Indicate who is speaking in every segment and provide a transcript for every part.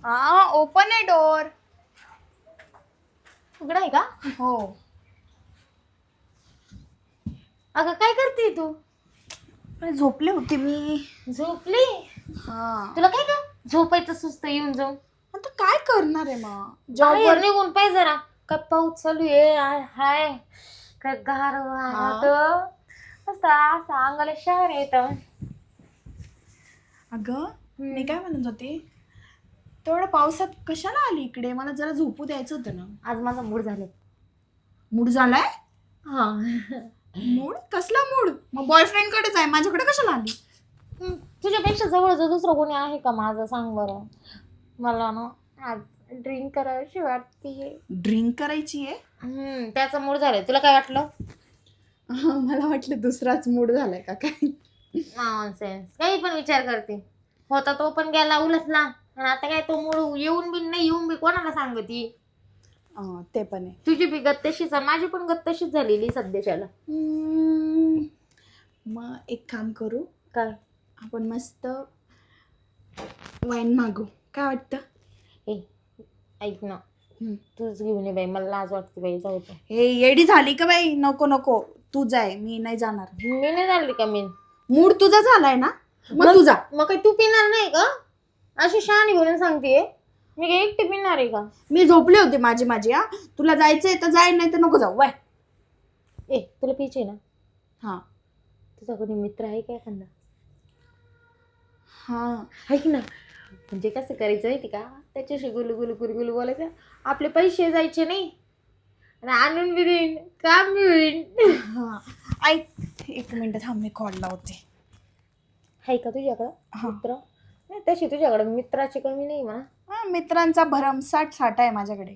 Speaker 1: हा ओपन आहे डोर.
Speaker 2: उघडा आहे का?
Speaker 1: हो.
Speaker 2: अगं काय करते तू?
Speaker 1: अरे झोपले होते मी.
Speaker 2: झोपली?
Speaker 1: हा.
Speaker 2: तुला काय का झोपायचं सुस्त येऊन जाऊन?
Speaker 1: आता काय करणार आहे मग
Speaker 2: बाहेर
Speaker 1: जॉबवर.
Speaker 2: निघून पाहिजे जरा. काय पाऊस चालू आहे हाय काय गारवा
Speaker 1: हा.
Speaker 2: असं अंगाला शहर येत.
Speaker 1: अगं मी काय म्हणत होते, तेवढ्या पावसात कशाला आली इकडे? मला जरा झोपू द्यायचं होतं ना.
Speaker 2: आज माझा मूड झाले.
Speaker 1: मूड झालाय?
Speaker 2: हा.
Speaker 1: मूड कसला मूड? मग बॉयफ्रेंड कडेच आहे, माझ्याकडे कशाला आली?
Speaker 2: तुझ्यापेक्षा जवळचं दुसरं कोणी आहे का माझं? सांग बरं. मला ना आज ड्रिंक करावीशी वाटतीये.
Speaker 1: ड्रिंक करायची आहे?
Speaker 2: त्याचा मूड झालाय. तुला काय वाटलं?
Speaker 1: मला वाटलं दुसराच मूड झालाय का काय.
Speaker 2: नॉनसेन्स. काही पण विचार करते. होता तो पण गेला उलटला आणि आता काय तो मूड येऊन बी नाही येऊन बी कोणाला सांगती?
Speaker 1: ते पण आहे.
Speaker 2: तुझी बी गत तशीच आहे, माझी पण गत तशीच झालेली सध्याच्याला.
Speaker 1: मग एक काम करू,
Speaker 2: काय?
Speaker 1: आपण मस्त वाईन मागू, काय वाटतं?
Speaker 2: ए ऐक ना, तूच घेऊन ये बाई, मला लाज वाटते बाई. जाऊ दे.
Speaker 1: हे येडी झाली का बाई? नको नको, तू जाय, मी नाही जाणार.
Speaker 2: मी नाही झाली का? मी
Speaker 1: मूड तुझा झालाय ना, मग तू जा.
Speaker 2: मग काय तू पिणार नाही का? अशी शहाणी म्हणून सांगते. मी काय एकटी पिणार आहे का?
Speaker 1: मी झोपले होते माझी. हा, तुला जायचंय तर जाय, नाही तर नको जाऊ. वाय.
Speaker 2: ए तुला पिचे ना?
Speaker 1: हा
Speaker 2: तुझा कोणी मित्र आहे का एखादा?
Speaker 1: हा.
Speaker 2: ऐक ना, म्हणजे कसं करायचं माहिती का? त्याच्याशी गुलू गुलू गुलू गुलू बोलायचं. आपले पैसे जायचे नाही आणि आणून बी देईन, काम बी होईन.
Speaker 1: हा ऐक, एक मिनिट थांब, मी कॉल लावते.
Speaker 2: आहे का तुझ्याकडं मित्र? नाही तशी तुझ्याकडं मित्राची कमी नाही म्हणा.
Speaker 1: हा, मित्रांचा भरमसाठ साठा आहे माझ्याकडे.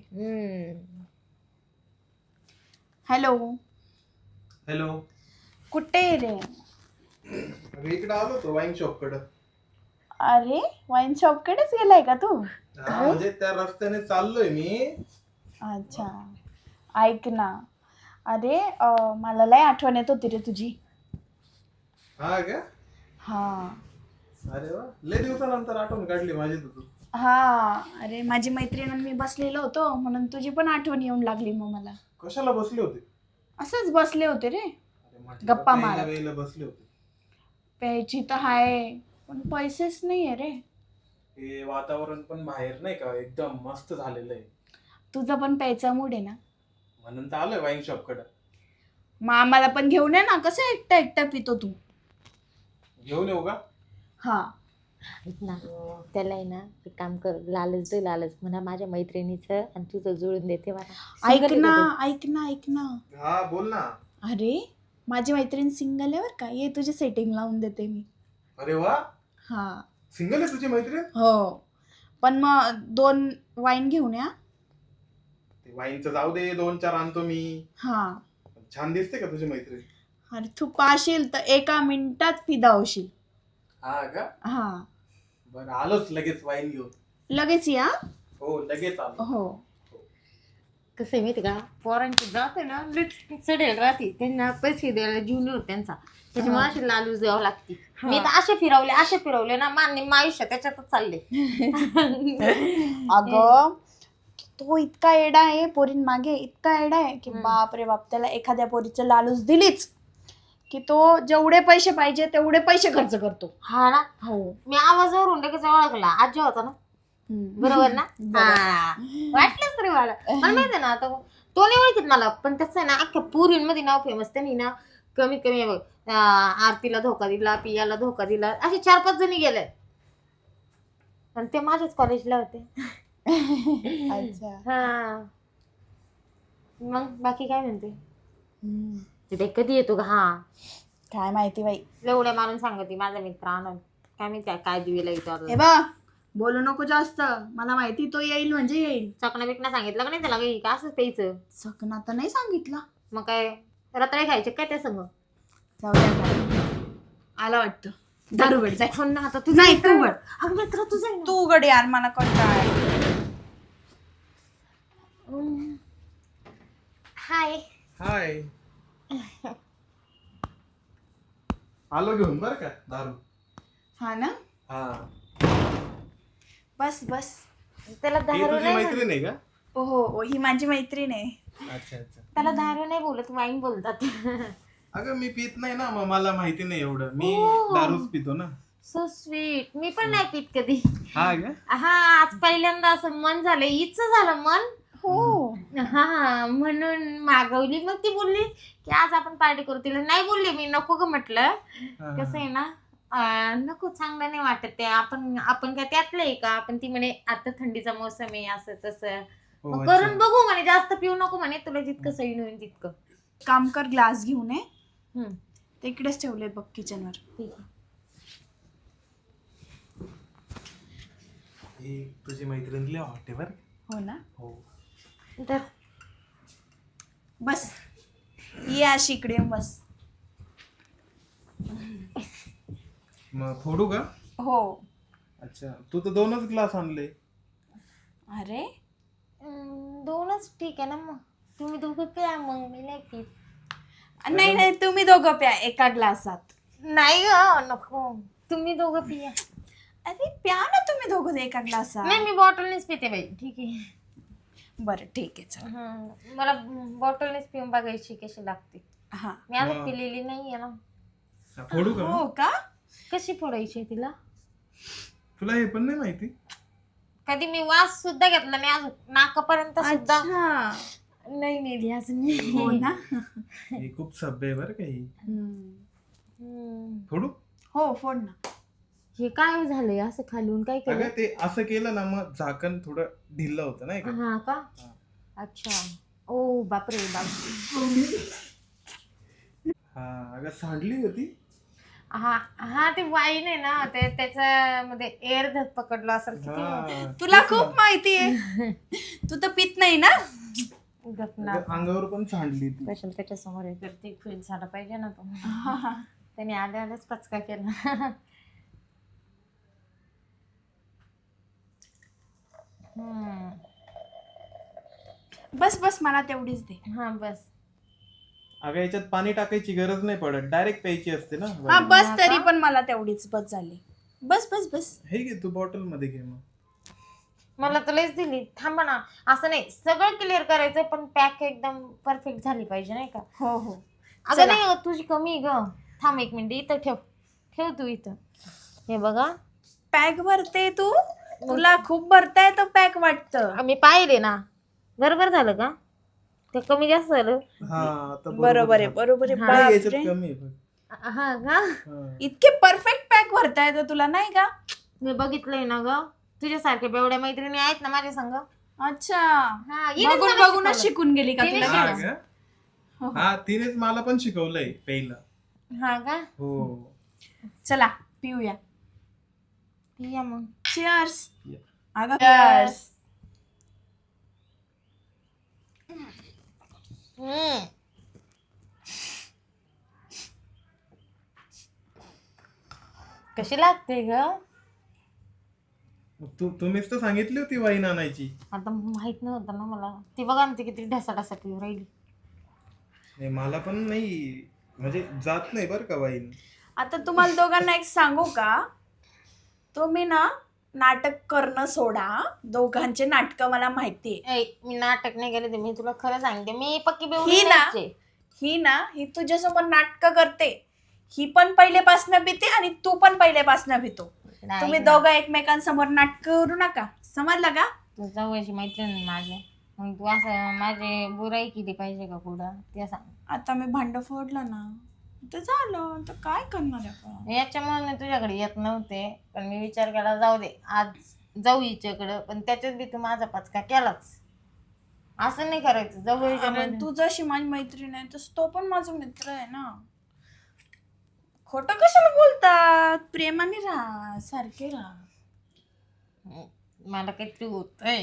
Speaker 1: हॅलो.
Speaker 3: हॅलो.
Speaker 1: कुठे आहे रे?
Speaker 3: अरे इकडे आलो होतो वाईन शॉप कडे.
Speaker 1: अरे वाईन शॉप कडेच गेलाय का तू?
Speaker 3: म्हणजे त्या रस्त्याने चाललोय मी.
Speaker 1: अच्छा, ऐक ना, अरे मला लय आठवण येत होती रे तुझी.
Speaker 3: हा का?
Speaker 1: हा.
Speaker 3: अरे वा, लय दिवसानंतर आठवण काढली माझी तू.
Speaker 1: हा, अरे माझी मैत्रीण आणि मी बसलेलो होतो, म्हणून तुझी पण आठवण येऊन लागली मग मला.
Speaker 3: कशाला बसले होते?
Speaker 1: असंच बसले होते रे,
Speaker 3: अरे म्हटलं
Speaker 1: गप्पा
Speaker 3: प्यायला
Speaker 1: मारत.
Speaker 3: वेळेला बसले होते.
Speaker 1: प्यायची तर आहे, पण पैसेच नाहीये रे.
Speaker 3: हे वातावरण पण बाहेर नाही का एकदम मस्त झालेलं आहे.
Speaker 1: तुझा पण प्यायचा मूड आहे ना,
Speaker 3: म्हणून तर आलोय वाईन शॉप कडे.
Speaker 1: मग आम्हाला पण घेऊन ये ना. कसं एकटा पितो तू?
Speaker 3: घेऊन येऊ का?
Speaker 1: हा.
Speaker 2: ऐक ना, त्याला आहे ना एक काम कर, लालच दे लालच म्हणा माझ्या मैत्रिणीचं आणि तुझं जुळून देते मला.
Speaker 1: ऐक ना.
Speaker 3: हा बोल ना.
Speaker 1: अरे माझी मैत्रीण सिंगल आहे बर का, ये तुझी सेटिंग लावून देते मी.
Speaker 3: अरे वा,
Speaker 1: हा.
Speaker 3: सिंगल आहे तुझी मैत्रीण?
Speaker 1: हो, पण मग 2 वाईन घेऊन या.
Speaker 3: ते वाईनचं जाऊ दे, 2-4 आणतो मी.
Speaker 1: हा.
Speaker 3: छान दिसते का तुझी मैत्रीण?
Speaker 1: अरे तू पाशील तर एका मिनिटात फिदा होशील.
Speaker 3: हा का?
Speaker 1: हा.
Speaker 3: बरं आलोच लगेच वाईन घेऊन.
Speaker 1: लगेच या.
Speaker 3: हो लगेच आलो.
Speaker 1: हो.
Speaker 2: कसं आहे माहिती का, पोरांची जाते ना लिपस्टिक चढेल राहते, त्यांना पैसे द्यायला जीवन होत त्यांचा, त्याच्यामुळे अशी लालूच द्यावं लागते. मी तर असे फिरवले ना, मान्य आयुष्य त्याच्यातच चालले.
Speaker 1: अगं तो इतका एडा आहे पोरीन मागे, इतका एडा आहे की बाप रे बाप. त्याला एखाद्या पोरीचं लालूच दिलीच की तो जेवढे पैसे पाहिजे तेवढे पैसे खर्च करतो.
Speaker 2: हा ना.
Speaker 1: हो.
Speaker 2: मी आवाजावरून लगेच ओळखला, आजी होता ना. बरोबर ना? हा, वाटलंच तरी मला माहिती ना. आता तो नाही ओळखीत मला, पण त्याचं आहे ना अख्ख्या पुरींमध्ये नाव फेमस. त्यांनी ना कमीत कमी बघ, आरतीला धोका दिला, पियाला धोका दिला, असे 4-5 जणी गेले आणि ते माझ्याच कॉलेजला होते.
Speaker 1: अच्छा.
Speaker 2: हा, मग बाकी काय म्हणते? ते कधी येतो का? हा
Speaker 1: काय माहिती बाई,
Speaker 2: एवढ्या मारून सांगते माझा मित्र आनंद. काय माहिती काय दिवेला येतो.
Speaker 1: हे बा बोलू नको जास्त, मला माहिती तो येईल म्हणजे येईल.
Speaker 2: चकना बिकना सांगितलं का नाही त्याला काही का असंच प्यायचं?
Speaker 1: चकना तर नाही सांगितलं.
Speaker 2: मग काय रताळे खायचे काय त्या संग?
Speaker 1: जाऊ द्या, आला वाटतं. दारू गड जाय.
Speaker 2: ना आता तू
Speaker 1: नाही तू गड.
Speaker 2: अगं मित्र तुझं आहे ना.
Speaker 1: तू गड यार, मला कंटाळा.
Speaker 2: हाय.
Speaker 3: हाय. आलो घेऊन बर का दारू.
Speaker 1: हा ना.
Speaker 3: हा.
Speaker 1: बस बस.
Speaker 2: त्याला
Speaker 3: ही
Speaker 2: दारू
Speaker 3: तुझी
Speaker 2: नाही
Speaker 3: मैत्रीण आहे का?
Speaker 1: हो हो, ही माझी मैत्रीण आहे.
Speaker 3: अच्छा अच्छा.
Speaker 2: त्याला दारू नाही बोलत, वाईन बोलतात.
Speaker 3: अगं मी पित नाही ना, मग मला माहिती नाही एवढं. मी
Speaker 2: हो.
Speaker 3: दारूच पितो ना.
Speaker 2: So sweet. मी पण नाही पित कधी.
Speaker 3: हा का?
Speaker 2: हा, आज पहिल्यांदा असं मन झालं, हिचं झालं मन.
Speaker 1: हो.
Speaker 2: हा, म्हणून मागवली. मग ती बोलली की आज आपण पार्टी करू. तिला नाही बोलली मी, नको ग म्हटलं.
Speaker 3: हा,
Speaker 2: कसं आहे ना, नको, चांगलं नाही वाटत ते. आपण काय त्यातलं आहे का? आपण ती म्हणे आता थंडीचा मोसम आहे, असं तसं.
Speaker 3: हो,
Speaker 2: मग
Speaker 3: अच्छा.
Speaker 2: करून बघू म्हणे, जास्त पिऊ नको म्हणे, तुला जितकं सैन होईल तितकं.
Speaker 1: काम कर, ग्लास घेऊन ये.
Speaker 2: हम्म,
Speaker 1: ते इकडेच ठेवले बघ किचनवर.
Speaker 2: ठीक आहे.
Speaker 3: ही तुझी मैत्रीण लय हॉट आहे बरं.
Speaker 1: हो ना.
Speaker 3: हो.
Speaker 2: तर
Speaker 1: बस, ये अशी इकडे येऊन बस.
Speaker 3: मग फोडू का?
Speaker 1: हो.
Speaker 3: अच्छा, तू तर 2च ग्लास आणले.
Speaker 1: अरे
Speaker 2: दोनच ठीक आहे ना. मग तुम्ही दोघं प्या, मग मी नाही पित.
Speaker 1: नाही नाही, तुम्ही दोघं प्या एका ग्लासात.
Speaker 2: नाही ग, नको, तुम्ही दोघं पिया.
Speaker 1: अरे प्या ना तुम्ही दोघं एका ग्लासात.
Speaker 2: नाही, मी बॉटलनेच पिते बाई. ठीक आहे.
Speaker 1: बरं ठीक आहे, चल.
Speaker 2: मला बॉटलनेच पिऊन बघायची कशी लागते.
Speaker 1: हा.
Speaker 2: मी अजून पिलेली नाहीये ना.
Speaker 3: फोडू का?
Speaker 1: हो का?
Speaker 2: कशी फोडायची तिला?
Speaker 3: तुला हे पण नाही माहिती?
Speaker 2: कधी मी वास सुद्धा घेतला नाही अजून, नाकापर्यंत सुद्धा
Speaker 1: अच्छा.
Speaker 2: नाही नेली अजून.
Speaker 1: हो ना.
Speaker 3: ही खूप सभ्य आहे बरं का ही. फोडू?
Speaker 1: हो फोड ना.
Speaker 2: हे काय झालंय असं खालून? काय केलं?
Speaker 3: अगं ते असं केलं ना, मग झाकण थोडं ढिल्लं होतं नाही का?
Speaker 2: हा का?
Speaker 3: हा.
Speaker 2: अच्छा. ओ बापरे बापरे.
Speaker 3: हा, अगं सांडली होती.
Speaker 2: हा हा, ते वाईन आहे ना, ते त्याच्यामध्ये एअर धक पकडलं असेल. किती
Speaker 3: हा,
Speaker 1: तुला
Speaker 3: तेच
Speaker 1: खूप
Speaker 3: ना.
Speaker 1: माहितीये. तू तर पित नाही ना.
Speaker 2: गपना.
Speaker 3: अगं, अंगावर पण सांडली ती.
Speaker 2: स्पेशल त्याच्या समोर ते फील झाला पाहिजे ना तो. त्याने आल्याच पचका केला.
Speaker 1: बस बस, मला तेवढीच दे.
Speaker 2: हा बस.
Speaker 3: अगं याच्यात पाणी टाकायची गरज नाही पडत, डायरेक्ट प्यायची असते ना.
Speaker 1: हा बस,
Speaker 2: हा
Speaker 1: तरी
Speaker 2: का?
Speaker 1: पण मला तेवढीच बस झाली. बस बस बस.
Speaker 3: हे घे, तू बॉटल मध्ये घे मग.
Speaker 2: मला तर लयच दिली. थांबा ना, असं नाही सगळं क्लिअर करायचं, पण पॅक एकदम परफेक्ट झाली पाहिजे नाही का?
Speaker 1: हो हो.
Speaker 2: अगं
Speaker 1: चला.
Speaker 2: नाही, तुझी कमी आहे ग. थांब 1 मिनिट, इथं ठेव. ठेव तू इथं. हे बघा,
Speaker 1: पॅक भरते तू. तुला खूप भरता येतो पॅक वाटतं.
Speaker 2: मी पाहिले ना. बरोबर झालं का? ते कमी जास्त झालं.
Speaker 3: हा, आता
Speaker 1: बरोबर आहे,
Speaker 3: झालं.
Speaker 1: बरोबर आहे.
Speaker 3: नाही, याच्यात
Speaker 1: बापरे.
Speaker 3: कमी आहे बघ.
Speaker 2: हा का?
Speaker 3: हा.
Speaker 1: इतके परफेक्ट पॅक भरता येतं तुला नाही का?
Speaker 2: मी बघितलंय ना ग. तुझ्यासारख्या बेवड्या मैत्रिणी आहेत ना माझ्या संग.
Speaker 1: अच्छा.
Speaker 2: हा, हिनेच
Speaker 1: बघून
Speaker 2: मला
Speaker 1: बघूनच
Speaker 2: शिकवलं.
Speaker 1: शिकून गेली का
Speaker 2: तिने
Speaker 1: तुला?
Speaker 3: हा
Speaker 2: लगेच.
Speaker 3: का? हा, तिनेच मला पण शिकवलंय पहिला.
Speaker 2: हा का?
Speaker 3: हो.
Speaker 1: चला पिऊया.
Speaker 2: या मग.
Speaker 1: चिअर्स.
Speaker 3: या.
Speaker 1: अगं cheers.
Speaker 2: कशी लागते ग?
Speaker 3: तुम्हीच तर सांगितली होती वाईन आणायची.
Speaker 2: आता माहित नव्हतं ना मला. ती बघा ना, ती किती ढसा पिऊ राहिली.
Speaker 3: नाही, मला पण नाही, म्हणजे जात नाही बरं का वाईन.
Speaker 1: आता तुम्हाला दोघांना एक सांगू का? तुम्ही ना नाटक करणं सोडा. दोघांचे नाटक मला माहितीये.
Speaker 2: मी नाटक नाही केले ते, मी तुला खरं सांगते. मी पक्की
Speaker 1: ही
Speaker 2: बेवडी
Speaker 1: ना
Speaker 2: नाहीच आहे.
Speaker 1: ही तुझ्यासमोर नाटक करते. ही पण पहिलेपासनं भीते आणि तू पण पहिलेपासनं भीतो.
Speaker 2: नाही
Speaker 1: तुम्ही
Speaker 2: ना.
Speaker 1: दोघं एकमेकांसमोर नाटक करू नका. समजलं का?
Speaker 2: तू जवळची मैत्रीण आहे माझ्या. मग तू असं माझी बुराई केली पाहिजे का पुढं? ते सांग.
Speaker 1: आता मी भांड फोडलं ना, तर झालं. तर काय करणार आहे आपण?
Speaker 2: याच्यामुळे मी तुझ्याकडे येत नव्हते, पण मी विचार केला जाऊ दे, आज जाऊ हिच्याकडं. पण त्याच्यात बी तू माझा पचका केलाच. असं नाही करायचं. जवळच्या
Speaker 1: अरे, तू जशी माझी मैत्रीण आहे तस तो पण माझा मित्र आहे ना. खोटं कशाला बोलतात? प्रेमाने राहा, सारखे राहा.
Speaker 2: मला काहीतरी होतंय.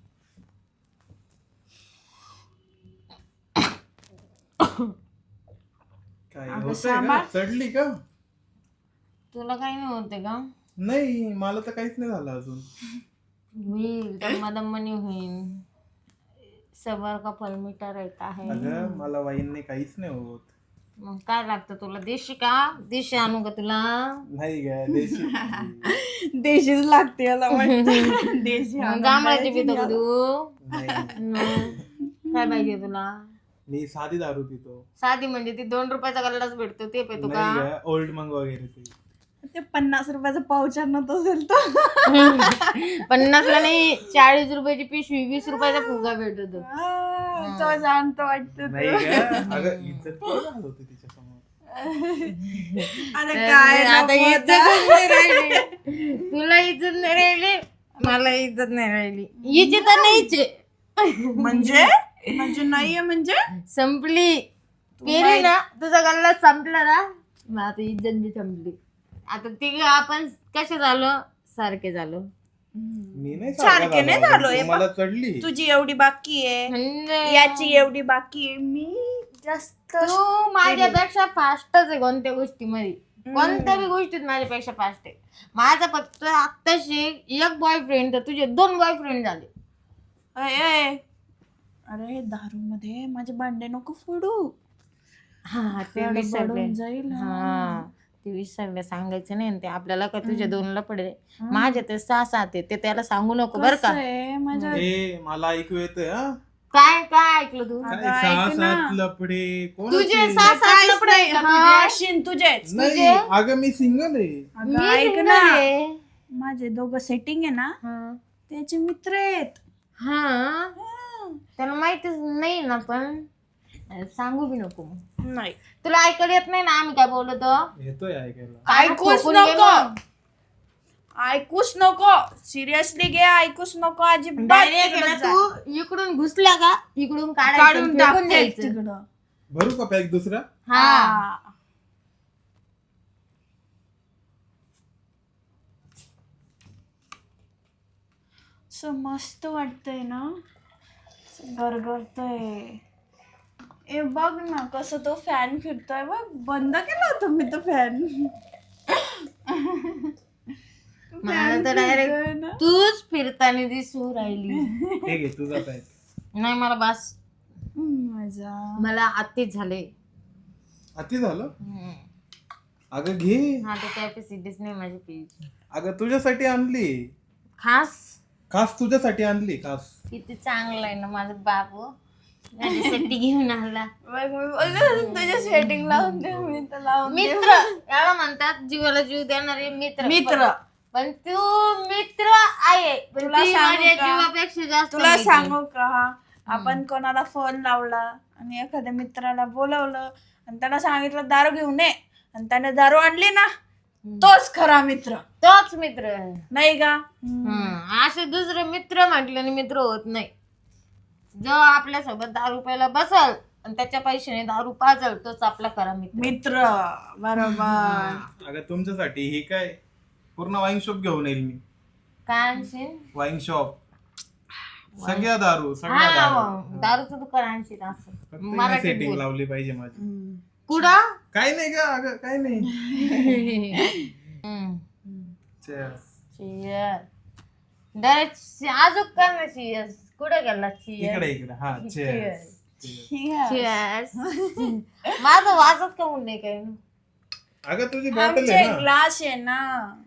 Speaker 3: काय
Speaker 1: अगं,
Speaker 3: होतंय का?
Speaker 1: सांभाळ.
Speaker 3: चढली का?
Speaker 2: तुला काही नाही होते का?
Speaker 3: नाही, मला तर काहीच नाही झालं अजून.
Speaker 2: होईल, दम्मादम्मानी होईल. सबर का फल मीठा रहता है.
Speaker 3: अगं मला वाईनने काहीच नाही होत.
Speaker 2: मग काय लागतं तुला? देशी का? देशी आणू का तुला?
Speaker 3: नाही ग देशी
Speaker 1: देशीच लागते याला वाटतं. देशी आणून
Speaker 2: जांभळाची
Speaker 1: द्यायची
Speaker 2: पितो का
Speaker 1: याला.
Speaker 2: तू?
Speaker 3: नाही
Speaker 2: मग काय पाहिजे तुला?
Speaker 3: मी साधी दारू पितो.
Speaker 2: साधी म्हणजे ती 2 रुपयाचा गल्लाच भेटतो ते पितो का?
Speaker 3: नाही ग ओल्ड मंग वगैरे ते.
Speaker 1: ते 50 रुपयाचा पाऊच आणत असेल तो.
Speaker 2: 50ला नाही, 40 रुपयाची पिशवी, 20 रुपयाचा फुगा भेटतो.
Speaker 1: तो जाणतो वाटतं.
Speaker 3: नाही ग अगं इज्जत किती घालवते तिच्या समोर.
Speaker 1: आता काय
Speaker 2: आता
Speaker 1: नको
Speaker 2: इज्जत
Speaker 1: आता.
Speaker 2: नाही राहिली. तुला इज्जत नाही राहिली, मला इज्जत नाही राहिली. हिची तर नाहीच आहे.
Speaker 1: म्हणजे नाहीये म्हणजे
Speaker 2: संपली. पेली ना तुझा गल्ला संपला ना, मग आता इज्जत बी संपली. आता तिघ आपण कसे झालो? सारखे झालो.
Speaker 3: मी नाही
Speaker 1: सारखे नाही झालो. हे
Speaker 3: मला चढली.
Speaker 1: तुझी एवढी बाकी आहे,
Speaker 2: म्हणजे
Speaker 1: याची एवढी बाकी आहे. मी जास्त
Speaker 2: तू माझ्यापेक्षा फास्टच आहे कोणत्या गोष्टीमध्ये. कोणत्या बी गोष्टीत माझ्यापेक्षा फास्ट आहे. माझा फक्त आत्ताशी एक बॉयफ्रेंड तर तुझे 2 बॉयफ्रेंड झाले.
Speaker 1: अरे दारू मध्ये माझे भांडे नको फोडू.
Speaker 2: हा ते
Speaker 1: तेवढं
Speaker 2: विसरले.
Speaker 1: बडून जाईल.
Speaker 2: हा ते विसरले, सांगायचं नाही. ते आपल्याला का तुझ्या 2 लपडे, माझे ते 6-7 आहे. ते त्याला सांगू नको बर का.
Speaker 1: कसं आहे, माझ्या
Speaker 3: ए मला ऐकू येतंय हा.
Speaker 2: काय काय ऐकलं तू?
Speaker 3: काय
Speaker 1: अगं,
Speaker 3: सहा
Speaker 1: ऐक ना.
Speaker 3: सात लपडे
Speaker 2: तुझे
Speaker 3: कोणाचे?
Speaker 2: 6-7
Speaker 1: काहीच
Speaker 2: लफडे
Speaker 1: नाही.
Speaker 2: आहेत का
Speaker 1: हा,
Speaker 2: तुझे?
Speaker 1: शिन तुझेच.
Speaker 3: नाही अगं मी सिंगल आहे.
Speaker 1: अगं,
Speaker 2: मी
Speaker 1: ऐक
Speaker 2: single
Speaker 1: ना,
Speaker 2: आहे.
Speaker 1: माझे दोघं सेटिंग आहे ना,
Speaker 2: हा.
Speaker 1: त्याचे मित्र आहेत.
Speaker 2: हा त्याला माहितीच नाही ना, पण सांगू बी नको. मग
Speaker 1: नाही
Speaker 2: तुला ऐकायला येत नाही ना आम्ही काय बोलतो?
Speaker 3: येतोय ऐकायला.
Speaker 1: ऐकूच
Speaker 2: ठोकून घे
Speaker 1: नको.
Speaker 2: मग.
Speaker 1: ऐकूच नको. सिरियसली घे, ऐकूच नको अजिबात.
Speaker 2: Direct आहे ना
Speaker 1: तिकडं जा.
Speaker 2: तू इकडून घुसला का इकडून
Speaker 1: काढून
Speaker 2: काढून
Speaker 1: टाक
Speaker 2: फेकून द्यायचं.
Speaker 1: तिकडं.
Speaker 3: भरू का पॅक दुसरा?
Speaker 2: हा
Speaker 1: असं मस्त वाटतंय ना, गरगरतय. ए बघ ना कसं तो फॅन फिरतोय बघ. बंद केला होता मी तो फॅन.
Speaker 2: मला तर डायरेक्ट तूच फिरताना दिसू राहिली.
Speaker 3: हे घे तुझा पॅक.
Speaker 2: नाही मला बस,
Speaker 1: मजा.
Speaker 2: मला आत्तीच झाले.
Speaker 3: अति झालं. अगं घे.
Speaker 2: हा तर कॅपॅसिटीच नाही माझी पीच.
Speaker 3: अगं तुझ्यासाठी आणली.
Speaker 2: खास
Speaker 3: खास तुझ्यासाठी आणली खास.
Speaker 2: किती चांगलं आहे ना माझं बाबू, माझ्यासाठी घेऊन आला.
Speaker 1: बघ मी बोलले तुझ्या सेटिंग लावून दे. मी तर लावून दे.
Speaker 2: मित्र याला म्हणतात, जीवाला जीव देणारे मित्र.
Speaker 1: मित्र.
Speaker 2: पण तू मित्र आहे, पण
Speaker 1: तुला
Speaker 2: ती
Speaker 1: सांगू
Speaker 2: माझ्या
Speaker 1: का?
Speaker 2: जीवापेक्षा जास्त
Speaker 1: तुला
Speaker 2: मैत्रीण.
Speaker 1: सांगू का, आपण कोणाला फोन लावला आणि एखाद्या मित्राला बोलवलं आणि त्याला सांगितलं दारू घेऊन ये आणि त्याने दारू आणली ना, तोच खरा मित्र.
Speaker 2: तोच मित्र आहे.
Speaker 1: नाही का?
Speaker 2: असे दुसरे मित्र म्हटल्याने मित्र होत नाही. जो आपल्या सोबत दारू प्यायला बसल आणि त्याच्या पैशाने दारू पाजल तोच आपला खरा मित्र.
Speaker 1: मित्र बरोबर.
Speaker 3: अगं तुमच्यासाठी हे काय पूर्ण वाईन शॉप घेऊन येईल मी.
Speaker 2: काय आणशील?
Speaker 3: Wine shop. सगळ्या दारू सगळ्या दारू.
Speaker 2: हा दारूचं दुकान आणशील असं
Speaker 3: फक्त मी
Speaker 2: मराठीत
Speaker 3: सेटिंग
Speaker 2: बोल.
Speaker 3: लावली पाहिजे माझी.
Speaker 2: कुठं?
Speaker 3: काय नाही का अगं काय नाही.
Speaker 2: हम्म.
Speaker 3: Cheers.
Speaker 2: Cheers. डायरेक्ट अजून कर ना cheers. कुठे गेला
Speaker 3: इकडे इकडे हा cheers.
Speaker 2: Cheers. माझं वाजत का म्हणून नाही काय?
Speaker 3: अगं तुझी बॉटल
Speaker 1: आमचे
Speaker 3: आहे ना.
Speaker 1: ग्लास आहे ना.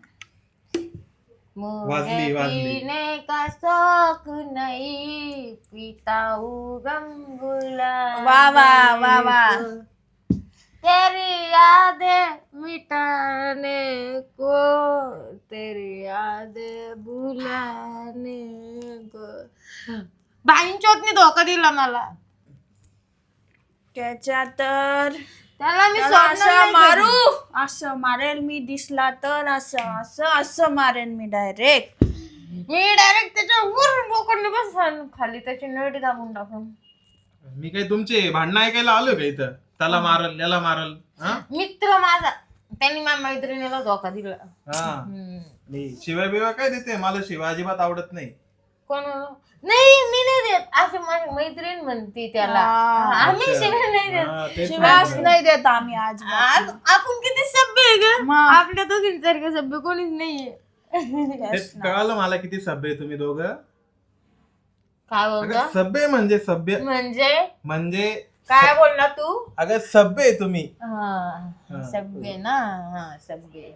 Speaker 3: वाजली, वाजली.
Speaker 2: पीने का शौक नहीं पीता हूँ गम गुलाब.
Speaker 1: वाह, वाह, वाह, वाह.
Speaker 2: तेरी यादें मिटाने को, तेरी यादें भुलाने को. बाईंचोतनी धोका दिला मला.
Speaker 1: त्याच्या तर
Speaker 2: त्याला मी
Speaker 1: त्याला
Speaker 2: सोडणार
Speaker 1: असं
Speaker 2: नाही
Speaker 1: मारू,
Speaker 2: कधी.
Speaker 1: असं मारेल मी. दिसला तर असं असं असं मारेल मी डायरेक्ट.
Speaker 2: मी डायरेक्ट त्याच्या वर बोकडने बसन खाली त्याची नळी दाबून टाकून.
Speaker 3: मी काय तुमचे भांडणं ऐकायला आलो का इथं? त्याला मारल याला मारल. हा
Speaker 2: मित्र माझा, त्यांनी माझ्या मैत्रिणीला धोका दिला.
Speaker 3: हा मी शिवाय बिवाय काय देते? मला शिवाय अजिबात आवडत नाही.
Speaker 2: कोण? नाही मी नाही देत, असे माझी मैत्रीण म्हणते त्याला. आम्ही शिवाय नाही देत.
Speaker 3: हा, तेच
Speaker 1: शिवास
Speaker 3: म्हणलं.
Speaker 1: नाही देत आम्ही आज.
Speaker 2: आपण किती सभ्य आहे ग.
Speaker 1: मग.
Speaker 2: आपल्या दोघींसारखं सभ्य कोणीच नाहीये.
Speaker 3: तेच कळालं मला किती सभ्य आहे तुम्ही दोघं.
Speaker 2: काय
Speaker 3: अगं
Speaker 2: बोलतो?
Speaker 3: सभ्य म्हणजे सभ्य
Speaker 2: म्हणजे
Speaker 3: म्हणजे
Speaker 2: काय बोलला तू?
Speaker 3: अगं सभ्य आहे तुम्ही.
Speaker 2: हा सगळे ना. हा सगळे.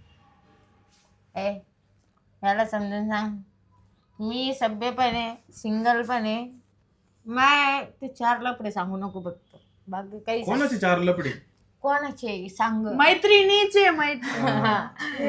Speaker 2: याला समजून सांग मी सभ्य पण आहे सिंगल पण आहे. माय ते 4 लफडे सांगू नको फक्त बाकी काही सांग.
Speaker 3: कोणाचे 4 लपडे?
Speaker 2: कोणाचे सांग.
Speaker 1: मैत्रिणीचे
Speaker 2: हा.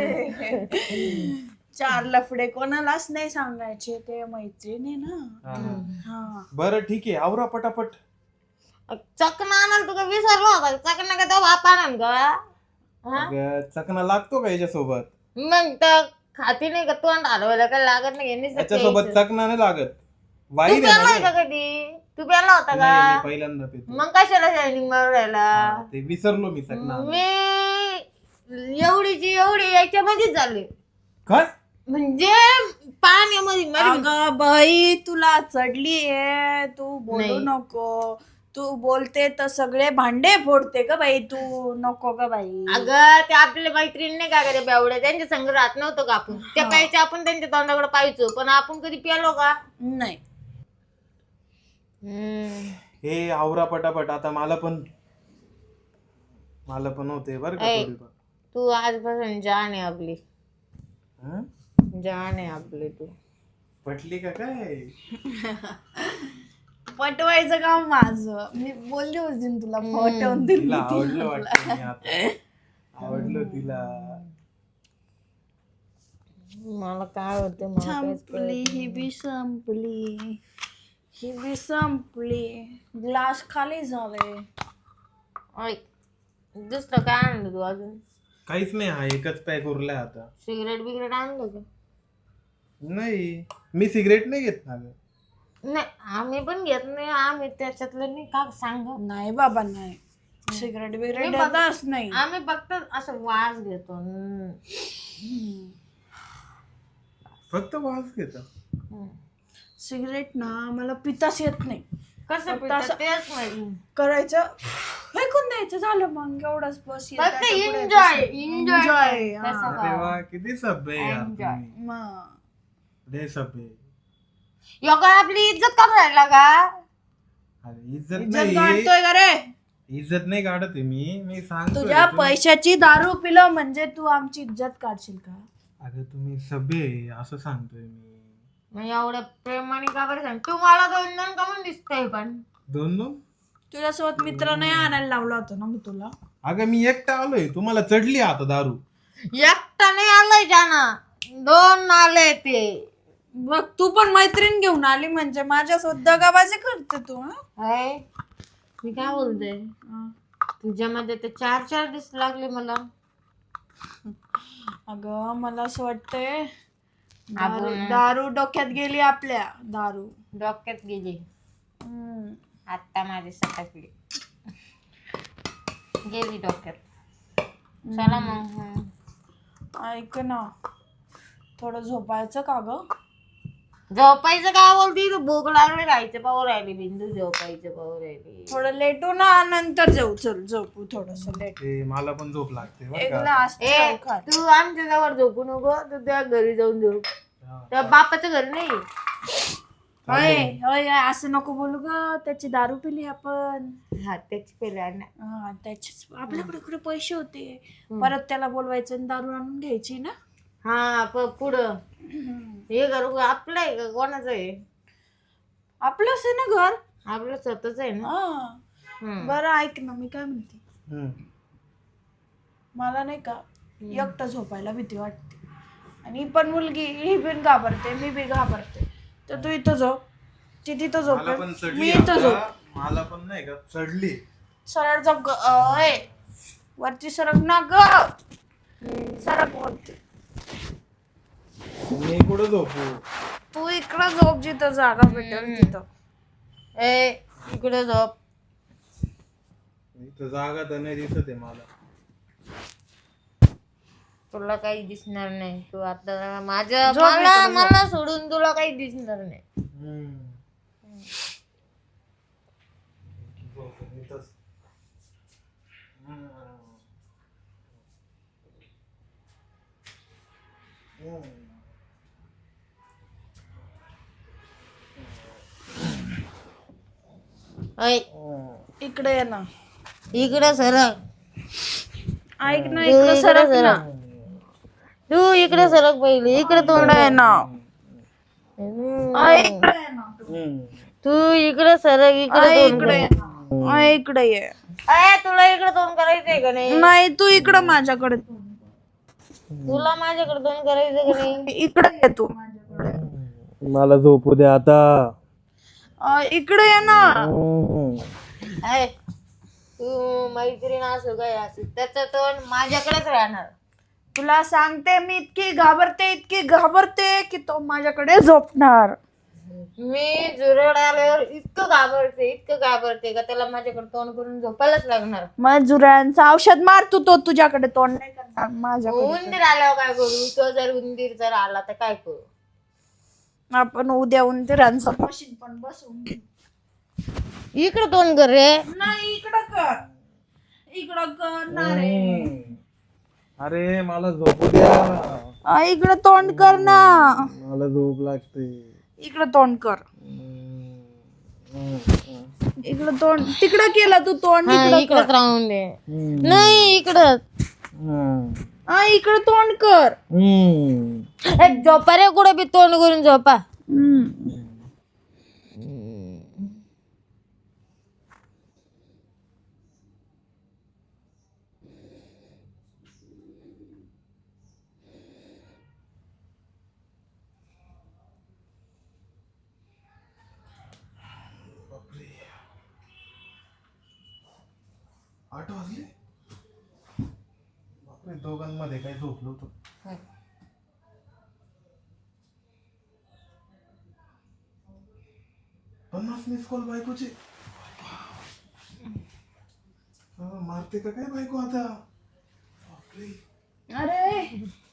Speaker 1: 4 लफडे कोणालाच नाही सांगायचे, ते मैत्रिणी ना. हा
Speaker 3: बरं ठीक आहे, आवरा पटापट.
Speaker 2: चकना आणाल तुका विसरलो होता. चकना का तो बाप आणल का?
Speaker 3: अगं, चकना लागतो का याच्यासोबत?
Speaker 2: मग तर खाती नाही का तोंड हलवायला काय लागत नाही यांनीच तर
Speaker 3: याच्यासोबत
Speaker 2: प्यायचं.
Speaker 3: चकना नाही लागत.
Speaker 2: तू
Speaker 3: वाईन
Speaker 2: प्याला
Speaker 3: आहे
Speaker 2: का
Speaker 3: ना.
Speaker 2: कधी? तू प्याला होता
Speaker 3: नाही, मी
Speaker 2: का?
Speaker 3: पहिल्यांदा पितो.
Speaker 2: मग कशाला शायनिंग मारून राहिला?
Speaker 3: हा, ते विसरलो मी चकना.
Speaker 2: मी एवढीची एवढी याच्यामध्येच झाले
Speaker 3: काय?
Speaker 2: म्हणजे पाण्यामध्ये
Speaker 1: अगं बाई तुला चढली आहे, तू बोलू
Speaker 2: नाही.
Speaker 1: नको. तू बोलते तर सगळे भांडे फोडते का बाई, तू नको का बाई.
Speaker 2: अगं ते आपल्या मैत्रिणी नाही का करे बेवड्या त्यांच्या संग राहत नव्हतं का आपण त्या प्यायच्या आपण त्यांच्या तोंडाकडे पाहायचो पण आपण कधी प्यालो का?
Speaker 1: नाही
Speaker 3: हे आवरा पटापट, आता मला पण होते बरं का
Speaker 2: ऐ.
Speaker 3: थोडीफार.
Speaker 2: तू आजपासून जान आहे आपली.
Speaker 3: हं?
Speaker 2: जान आहे आपली तू.
Speaker 3: पटली का काय?
Speaker 1: पटवायचं काम माझं. मी बोलली होती ना तुला, पटवून दिली
Speaker 3: तिला
Speaker 1: ती.
Speaker 3: आवडलं वाटतं मी आता. आवडलं तिला.
Speaker 2: मला काय होते मला काहीच कळत
Speaker 1: संपली ही बी संपली, ही बी संपली. ग्लास खाली झाले.
Speaker 2: नाही. ऐक दुसरं काय आणलं तू अजून?
Speaker 3: काहीच नाही, हा एकच पॅक उरलाय आता.
Speaker 2: सिगरेट बिगरेट आणलं का?
Speaker 3: नाही, मी सिगरेट नाही घेत ना गं.
Speaker 2: नाही आम्ही पण घेत नाही. आम्ही त्याच्यातलं नाही का सांग.
Speaker 1: नाही बाबा नाही, सिगरेट बिगरेट
Speaker 2: मी बघ-
Speaker 1: देतच नाही.
Speaker 2: आम्ही फक्त असं वास घेतो.
Speaker 3: फक्त वास घेता.
Speaker 1: सिगरेट ना मला पिताच येत नाही.
Speaker 2: कसं
Speaker 1: फक्त
Speaker 2: पितात
Speaker 1: असं-
Speaker 2: तेच माहिती.
Speaker 1: करायचं फेकून द्यायचं, झालं मग एवढंच बस.
Speaker 2: फक्त एन्जॉय एन्जॉय
Speaker 3: अरे वा, किती सभ्य आहे यार
Speaker 2: Enjoy.
Speaker 3: तुम्ही. लय सभ्य आहे.
Speaker 2: योगा आपली इज्जत करून राहिला का?
Speaker 3: अरे इज्जत
Speaker 1: इज्जत
Speaker 3: नाही,
Speaker 1: काढतोय का रे?
Speaker 3: इज्जत नाही काढत आहे मी सांगतोय.
Speaker 1: तुझ्या पैशाची दारू पिलं म्हणजे तू आमची इज्जत काढशील का?
Speaker 3: अगं तुम्ही सभ्य आहे असं सांगतोय मी.
Speaker 2: मग एवढ्या प्रेमाने का बरं सांग. तू मला 2 का म्हणून दिसतंय पण
Speaker 3: 2
Speaker 1: तुझ्यासोबत मित्र नाही आणायला लावला होता ना मी तुला.
Speaker 3: अगं मी एकटा आलोय, तुम्हाला चढली आता दारू.
Speaker 2: एकटा नाही आलाय जाना 2 आले ते.
Speaker 1: बघ तू पण मैत्रीण घेऊन आली म्हणजे माझ्यासोबत दगाबाजी करते तू.
Speaker 2: हाय मी काय बोलते तुझ्यामध्ये ते 4 दिसू लागले मला.
Speaker 1: अगं मला असं वाटतंय
Speaker 2: आपण-
Speaker 1: दारू डोक्यात गेली आपल्या. दारू
Speaker 2: डोक्यात गेली आता माझी सटकली गेली डोक्यात. चला मग
Speaker 1: ऐक ना, थोडं झोपायचं का ग?
Speaker 2: झोपायचं काय बोलती तू? भूक लागली राहायचं पाहू राहिली बिंदू. झोपायचं पाहू राहिली.
Speaker 1: थोडं लेटू ना, नंतर जाऊ. चल झोपू थोडस लेट.
Speaker 3: ते मला पण झोप लागते बरं
Speaker 1: एक
Speaker 3: का.
Speaker 1: ग्लास
Speaker 2: ए
Speaker 1: खा.
Speaker 2: तू आमच्या जवळ झोपू नको. तू त्या घरी जाऊन झोप.
Speaker 3: हा.
Speaker 2: त्या बापाच्या घरी नाही.
Speaker 1: होय होय असं नको बोलू ग. त्याची दारू पिली आपण.
Speaker 2: हा त्याची पेला ना.
Speaker 1: हा त्याचेच आपल्याकडे कुठे पैसे होते. परत त्याला बोलवायचं आणि दारू आणून घ्यायची ना.
Speaker 2: हा पुढं हे घर आपलं आहे का कोणाचं आहे?
Speaker 1: आपलंच आहे ना घर.
Speaker 2: आपलं स्वतःच आहे ना.
Speaker 1: हा. बरं ऐक ना, मी काय म्हणते,
Speaker 3: हम्म.
Speaker 1: मला नाही का एकटं झोपायला भीती वाटते. आणि ही पण मुलगी, ही पण घाबरते, मी बी घाबरते. तर तू इथं झोप, ती तिथं
Speaker 3: मला पण
Speaker 1: झोप,
Speaker 3: चढली
Speaker 1: मी इथं झोप.
Speaker 3: आता. मला पण नाही का चढली.
Speaker 1: सरळ झोप ग. अय वरती सरक ना ग. सरक वरती.
Speaker 3: मी कुठं झोपू?
Speaker 1: तू इकडं झोप जिथं जागा भेटेल तिथं.
Speaker 2: ए इकडे झोप.
Speaker 3: इथं जागा तर नाही दिसत आहे मला.
Speaker 2: तुला काही दिसणार नाही. तू आता माझ्या
Speaker 1: झोप
Speaker 2: मला
Speaker 1: इकडे, झोप.
Speaker 2: मला सोडून तुला काही दिसणार नाही.
Speaker 3: झोपून इथंच.
Speaker 2: ऐ
Speaker 1: इकडे ये ना.
Speaker 2: इकडे सरक.
Speaker 1: ऐक ना इकडं सरक ना.
Speaker 2: तू इकडे सरक पहिले, इकडे तोंड आहे ना.
Speaker 1: इकडे ये ना.
Speaker 2: तू इकडे सरक, इकडे तोंड
Speaker 1: इकडे ये
Speaker 2: कर.
Speaker 1: ना. इकडे ये.
Speaker 2: तुला इकडे तोंड करायचंय का नाही?
Speaker 1: नाही तू इकडं माझ्याकडे.
Speaker 2: तुला माझ्याकडे तोंड करायचं का नाही?
Speaker 1: इकडे ये तू.
Speaker 3: मला झोपू दे आता.
Speaker 1: इकडे ये ना.
Speaker 2: आहे. तू मैत्रीण असो काय असो, त्याचं तोंड माझ्याकडेच राहणार.
Speaker 1: तुला सांगते मी इतकी घाबरते की तो माझ्याकडे झोपणार.
Speaker 2: मी जुरड आल्यावर इतकं घाबरते का त्याला माझ्याकडे तोंड करून झोपायलाच लागणार.
Speaker 1: मग जुऱ्यांचं औषध मार तू, तो तुझ्याकडे तोंड नाही करणार माझ्याकडे.
Speaker 2: उंदीर आल्यावर काय करू? तो जर उंदीर जर आला तर काय करू?
Speaker 1: आपण उद्या उंदीरांचं मशीन पण बसवून घेऊ.
Speaker 2: इकडे तोंड कर रे.
Speaker 1: नाही इकडं कर ना रे.
Speaker 3: अरे मला झोपू द्या.
Speaker 1: इकडं तोंड कर ना.
Speaker 3: मला झोप लागते.
Speaker 1: इकडं तोंड कर. इकडं तोंड तिकडं केलं तू तोंड.
Speaker 2: इकडेच राहून दे. नाही इकडं.
Speaker 1: इकडं तोंड कर.
Speaker 2: झोपा रे, कुठे बी तोंड करून झोपा.
Speaker 3: आठ वाजले. बापरे, दोघांमध्ये काय झोपलो होतो. 50 मिस कॉल बायकोचे. मारते का काय बायको आता. बापरे.
Speaker 1: अरे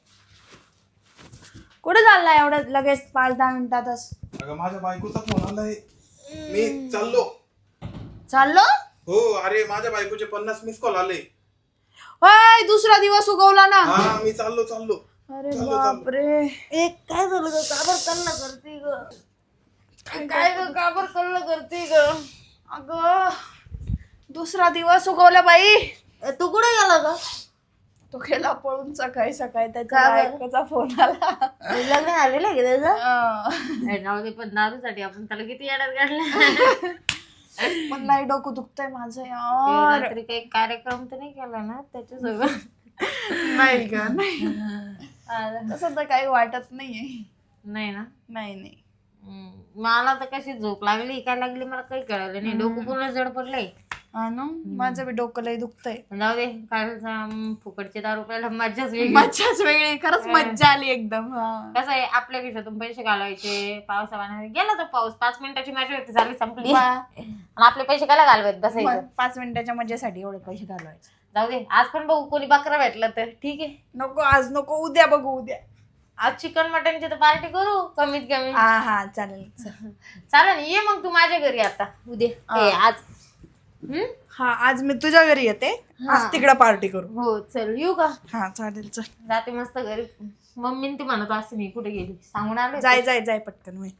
Speaker 1: कुठे चाललाय एवढं लगेच 5-10 मिनिटातच.
Speaker 3: अगं माझ्या बायकोचा फोन आलाय. मी
Speaker 1: चाललो.
Speaker 3: हो, अरे माझ्या बायकोचे 50 मिस कॉल आले.
Speaker 1: होय दुसरा दिवस उगवला ना.
Speaker 3: हा मी चाललो.
Speaker 1: अरे बापरे.
Speaker 2: काय झालं ग? काबर कल्ला करते ग? काय ग? काबर कल्ला करते ग?
Speaker 1: अगं दुसरा दिवस उगवला बाई.
Speaker 2: तू कुठे गेला ग?
Speaker 1: तो गेला पळून सकाळी त्याच्या
Speaker 2: का बरं?
Speaker 1: बायकोचा फोन आला.
Speaker 2: लग्न आलेलं आहे का त्याचं? जाऊ दे, पण दारूसाठी आपण त्याला किती येड्यात काढलं.
Speaker 1: पण नाही डोकं दुखतंय माझं यार.
Speaker 2: रात्री काही कार्यक्रम तर नाही केला ना त्याच्यासोबत?
Speaker 1: नाही का नाही तसं तर काही वाटत नाहीये.
Speaker 2: नाही ना.
Speaker 1: नाही
Speaker 2: मला तर कशी झोप लागली काय लागली मला काही कळलं नाही. डोकं पूर्ण जड पडलंय.
Speaker 1: हा ना माझं बी डोकं लय दुखतंय.
Speaker 2: जाऊ दे, कालचा फुकटचे दारू प्यायला मज्जाच वेगळी.
Speaker 1: मज्जाच वेगळी. खरंच मज्जा आली एकदम.
Speaker 2: कसं आहे, आपल्या खिशातून पैसे घालवायचे. पावसावाने गेला तर पाऊस, 5 मिनिटाची मॅच होती, झाली संपली. आणि आपले पैसे काय घालवायचे बसायचं.
Speaker 1: 5 मिनिटाच्या मजेसाठी एवढे पैसे घालवायचे.
Speaker 2: जाऊ दे, आज पण बघू कोणी बकरा भेटला तर ठीक आहे.
Speaker 1: नको आज नको, उद्या बघू उद्या.
Speaker 2: आज चिकन मटनची तर पार्टी करू कमीत कमी.
Speaker 1: हा चालेल.
Speaker 2: चालेल, ये मग तू माझ्या घरी आता उद्या. आज
Speaker 1: हा आज मी तुझ्या घरी येते. आज तिकडे पार्टी करू.
Speaker 2: हो चल, येऊ का?
Speaker 1: हा चालेल चल.
Speaker 2: जाते मस्त घरी. मम्मीने ती म्हणत असते मी कुठे गेली सांगून आले.
Speaker 1: जाय पटकन होईल.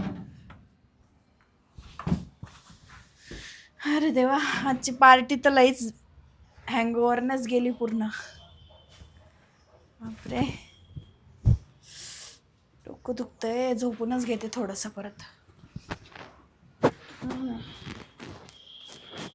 Speaker 1: अरे देवा आजची पार्टी तर लईच हँगओव्हरनच गेली पूर्ण. बापरे डोकं दुखतंय. झोपूनच घेते थोडंसं परत.